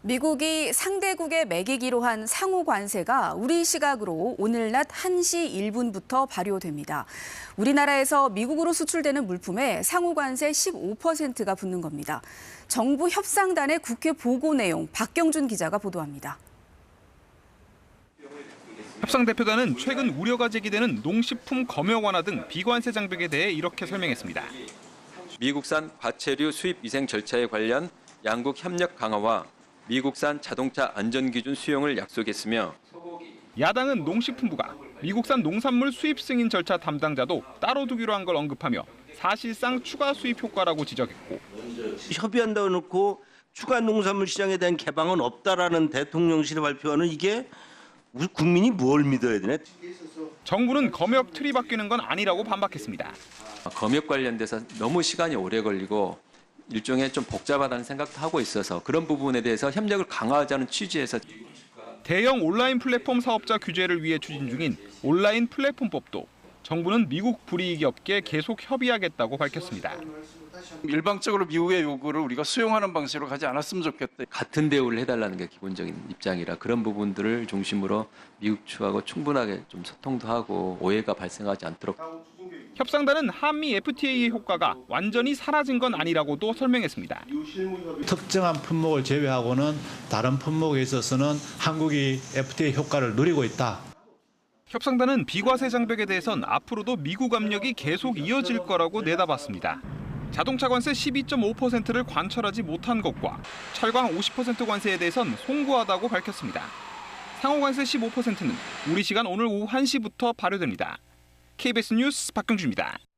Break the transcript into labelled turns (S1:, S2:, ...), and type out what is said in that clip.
S1: 미국이 상대국에 매기기로 한 상호 관세가 우리 시각으로 오늘 낮 1시 1분부터 발효됩니다. 우리나라에서 미국으로 수출되는 물품에 상호 관세 15%가 붙는 겁니다. 정부 협상단의 국회 보고 내용 박경준 기자가 보도합니다.
S2: 협상대표단은 최근 우려가 제기되는 농식품 검역 완화 등 비관세 장벽에 대해 이렇게 설명했습니다.
S3: 미국산 과체류 수입 위생 절차에 관련 양국 협력 강화와 미국산 자동차 안전기준 수용을 약속했으며
S2: 야당은 농식품부가 미국산 농산물 수입 승인 절차 담당자도 따로 두기로 한 걸 언급하며 사실상 추가 수입 효과라고 지적했고
S4: 협의한다고 놓고 추가 농산물 시장에 대한 개방은 없다라는 대통령실의 발표는 이게 우리 국민이 뭘 믿어야 되나?
S2: 정부는 검역 틀이 바뀌는 건 아니라고 반박했습니다.
S3: 검역 관련돼서 너무 시간이 오래 걸리고 일종의 좀 복잡하다는 생각도 하고 있어서 그런 부분에 대해서 협력을 강화하자는 취지에서
S2: 대형 온라인 플랫폼 사업자 규제를 위해 추진 중인 온라인 플랫폼법도 정부는 미국 불이익이 없게 계속 협의하겠다고 밝혔습니다.
S5: 일방적으로 미국의 요구를 우리가 수용하는 방식으로 가지 않았으면 좋겠다.
S3: 같은 대우를 해달라는 게 기본적인 입장이라 그런 부분들을 중심으로 미국 측하고 충분하게 좀 소통도 하고 오해가 발생하지 않도록.
S2: 협상단은 한미 FTA의 효과가 완전히 사라진 건 아니라고도 설명했습니다.
S6: 특정한 품목을 제외하고는 다른 품목에 있어서는 한국이 FTA 효과를 누리고 있다.
S2: 협상단은 비과세 장벽에 대해선 앞으로도 미국 압력이 계속 이어질 거라고 내다봤습니다. 자동차 관세 12.5%를 관철하지 못한 것과 철강 50% 관세에 대해선 송구하다고 밝혔습니다. 상호 관세 15%는 우리 시간 오늘 오후 1시부터 발효됩니다. KBS 뉴스 박경주입니다.